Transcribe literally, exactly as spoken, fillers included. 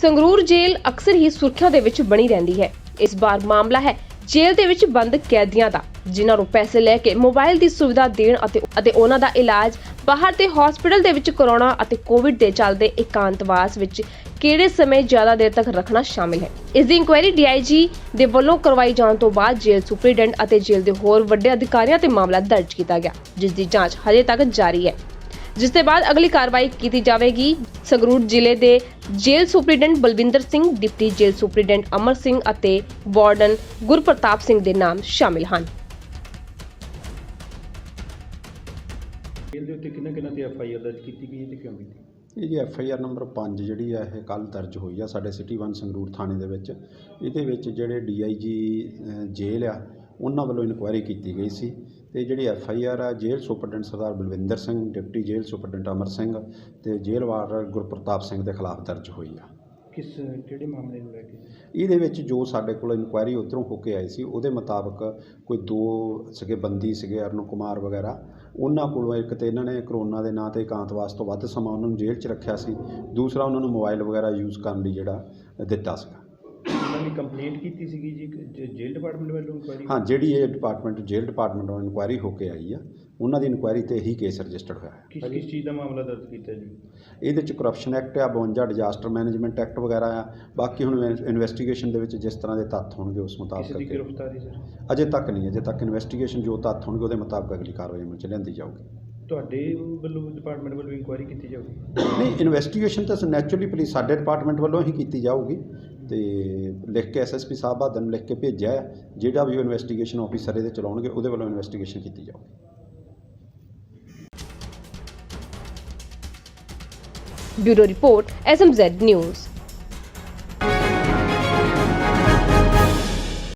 ਸੰਗਰੂਰ ਜੇਲ੍ਹ ਅਕਸਰ ਹੀ ਸੁਰਖੀਆਂ ਦੇ ਵਿੱਚ ਬਣੀ ਰਹਿੰਦੀ ਹੈ। ਇਸ ਵਾਰ ਮਾਮਲਾ ਹੈ ਜੇਲ੍ਹ ਦੇ ਵਿੱਚ ਬੰਦ ਕੈਦੀਆਂ ਦਾ, ਜਿਨ੍ਹਾਂ ਨੂੰ ਪੈਸੇ ਲੈ ਕੇ ਮੋਬਾਈਲ ਦੀ ਸੁਵਿਧਾ ਦੇਣ ਅਤੇ ਅਤੇ ਉਹਨਾਂ ਦਾ ਇਲਾਜ ਬਾਹਰ ਦੇ ਹਸਪਤਾਲ ਦੇ ਵਿੱਚ ਕਰਵਾਉਣਾ ਅਤੇ ਕੋਵਿਡ ਦੇ ਚੱਲਦੇ ਇਕਾਂਤਵਾਸ ਵਿੱਚ ਕਿਹੜੇ ਸਮੇਂ ਜ਼ਿਆਦਾ ਦੇਰ ਤੱਕ ਰੱਖਣਾ ਸ਼ਾਮਿਲ ਹੈ। ਇਸ ਦੀ ਇਨਕੁਆਇਰੀ ਡੀ ਆਈ ਜੀ ਦੇ ਵੱਲੋਂ ਕਰਵਾਈ ਜਾਣ ਤੋਂ ਬਾਅਦ ਜੇਲ੍ਹ ਸੁਪਰੀਡੈਂਟ ਅਤੇ ਜੇਲ੍ਹ ਦੇ ਹੋਰ ਵੱਡੇ ਅਧਿਕਾਰੀਆਂ ਤੇ ਮਾਮਲਾ ਦਰਜ ਕੀਤਾ ਗਿਆ, ਜਿਸ ਦੀ ਜਾਂਚ ਹਜੇ ਤੱਕ ਜਾਰੀ ਹੈ, ਜਿਸ ਦੇ ਬਾਅਦ ਅਗਲੀ ਕਾਰਵਾਈ ਕੀਤੀ ਜਾਵੇਗੀ। ਸੰਗਰੂਰ ਜ਼ਿਲ੍ਹੇ ਦੇ jail superintendent Balwinder Singh, deputy jail superintendent Amar Singh ਅਤੇ ਵਾਰਡਨ ਗੁਰਪ੍ਰਤਾਪ ਸਿੰਘ ਦੇ ਨਾਮ ਸ਼ਾਮਿਲ ਹਨ। ਜੇਲ੍ਹ ਦੇ ਉੱਤੇ ਕਿੰਨਾ ਕਿੰਨਾ ਤੇ ਐਫ ਆਈ ਆਰ ਦਰਜ ਕੀਤੀ ਗਈ ਤੇ ਕਿਉਂ ਕੀਤੀ? ਇਹ ਜੀ ਐਫ ਆਈ ਆਰ ਨੰਬਰ ਪੰਜ ਜਿਹੜੀ ਆ ਇਹ ਕੱਲ੍ਹ ਦਰਜ ਹੋਈ ਆ ਸਾਡੇ ਸਿਟੀ ਵਨ ਸੰਗਰੂਰ ਥਾਣੇ ਦੇ ਵਿੱਚ। ਇਹਦੇ ਵਿੱਚ ਜਿਹੜੇ ਡੀ ਆਈ ਜੀ ਜੇਲ੍ਹ ਆ ਉਹਨਾਂ ਵੱਲੋਂ ਇਨਕੁਆਇਰੀ ਕੀਤੀ ਗਈ ਸੀ ਤੇ ਜਿਹੜੀ ਐਫ ਆਈ ਆਰ ਆ jail superintendent Sardar Balwinder Singh, deputy jail superintendent Amar Singh ਤੇ ਜੇਲ੍ਹ ਵਾਰਡਨ ਗੁਰਪ੍ਰਤਾਪ ਸਿੰਘ ਦੇ ਖਿਲਾਫ ਦਰਜ ਹੋਈ ਆ। ਕਿਸ ਕਿਹੜੇ ਮਾਮਲੇ ਨੂੰ ਲੈ ਕੇ? ਇਹਦੇ ਵਿੱਚ ਜੋ ਸਾਡੇ ਕੋਲ ਇਨਕੁਆਇਰੀ ਉੱਧਰੋਂ ਹੋ ਕੇ ਆਈ ਸੀ ਉਹਦੇ ਮੁਤਾਬਕ ਕੋਈ ਦੋ ਸੀਗੇ ਬੰਦੀ ਸੀਗੇ ਅਰੁਣ ਕੁਮਾਰ ਵਗੈਰਾ, ਉਹਨਾਂ ਕੋਲੋਂ ਇੱਕ ਤਾਂ ਇਹਨਾਂ ਨੇ ਕਰੋਨਾ ਦੇ ਨਾਂ 'ਤੇ ਇਕਾਂਤਵਾਸ ਤੋਂ ਵੱਧ ਸਮਾਂ ਉਹਨਾਂ ਨੂੰ ਜੇਲ੍ਹ 'ਚ ਰੱਖਿਆ ਸੀ, ਦੂਸਰਾ ਉਹਨਾਂ ਨੂੰ ਮੋਬਾਈਲ ਵਗੈਰਾ ਯੂਜ਼ ਕਰਨ ਲਈ ਜਿਹੜਾ ਦਿੱਤਾ ਸੀਗਾ। ਉਹਨਾਂ ਨੇ ਕੰਪਲੇਂਟ ਕੀਤੀ ਸੀਗੀ ਜੀ ਜੇਲ੍ਹ ਡਿਪਾਰਟਮੈਂਟ ਵੱਲੋਂ ਇਨਕੁਆਇਰੀ? ਹਾਂ, ਜਿਹੜੀ ਇਹ ਡਿਪਾਰਟਮੈਂਟ ਜੇਲ੍ਹ ਡਿਪਾਰਟਮੈਂਟ ਵੱਲੋਂ ਇਨਕੁਆਇਰੀ ਹੋ ਕੇ ਆਈ ਆ, ਉਹਨਾਂ ਦੀ ਇਨਕੁਆਇਰੀ 'ਤੇ ਹੀ ਕੇਸ ਰਜਿਸਟਰਡ ਹੋਇਆ ਹੈ। ਕਿਸ ਕਿਸ ਚੀਜ਼ ਦਾ ਮਾਮਲਾ ਦਰਜ ਕੀਤਾ ਜੀ? ਇਹਦੇ 'ਚ ਕਰਪਸ਼ਨ ਐਕਟ ਆ, ਬਵੰਜਾ ਡਿਜ਼ਾਸਟਰ ਮੈਨੇਜਮੈਂਟ ਐਕਟ ਵਗੈਰਾ ਆ। ਬਾਕੀ ਹੁਣ ਇਨਵੈਸਟੀਗੇਸ਼ਨ ਦੇ ਵਿੱਚ ਜਿਸ ਤਰ੍ਹਾਂ ਦੇ ਤੱਥ ਹੋਣਗੇ ਉਸ ਮੁਤਾਬਕ ਕਿਸੇ ਦੀ ਗ੍ਰਿਫਤਾਰੀ ਸਰ? ਅਜੇ ਤੱਕ ਨਹੀਂ, ਅਜੇ ਤੱਕ ਇਨਵੈਸਟੀਗੇਸ਼ਨ ਜੋ ਤੱਥ ਹੋਣਗੇ ਉਹਦੇ ਮੁਤਾਬਕ ਅਗਲੀ ਕਾਰਵਾਈ ਅਮਲ 'ਚ ਲਿਆਂਦੀ ਜਾਊਗੀ। ਤੁਹਾਡੇ ਵੱਲੋਂ ਡਿਪਾਰਟਮੈਂਟ ਵੱਲੋਂ ਇਨਕੁਆਇਰੀ ਕੀਤੀ ਜਾਊਗੀ? ਨਹੀਂ, ਇਨਵੈਸਟੀਗੇਸ਼ਨ ਤਾਂ ਨੈਚੁਰਲੀ ਪੁਲਿਸ ਸਾਡੇ ਡਿਪਾਰਟਮੈਂਟ ਵੱਲੋਂ ਹੀ ਕੀਤੀ ਜਾਊਗੀ ਤੇ ਲਿਖ ਕੇ S S P Sahib Badal ਨੂੰ ਲਿਖ ਕੇ ਭੇਜਿਆ ਹੈ। ਜਿਹੜਾ ਵੀ ਉਹ ਇਨਵੈਸਟੀਗੇਸ਼ਨ ਆਫੀਸਰ ਇਹਦੇ ਚਲਾਉਣਗੇ ਉਹਦੇ ਵੱਲੋਂ ਇਨਵੈਸਟੀਗੇਸ਼ਨ ਕੀਤੀ ਜਾਊਗੀ। Bureau report S M Z news.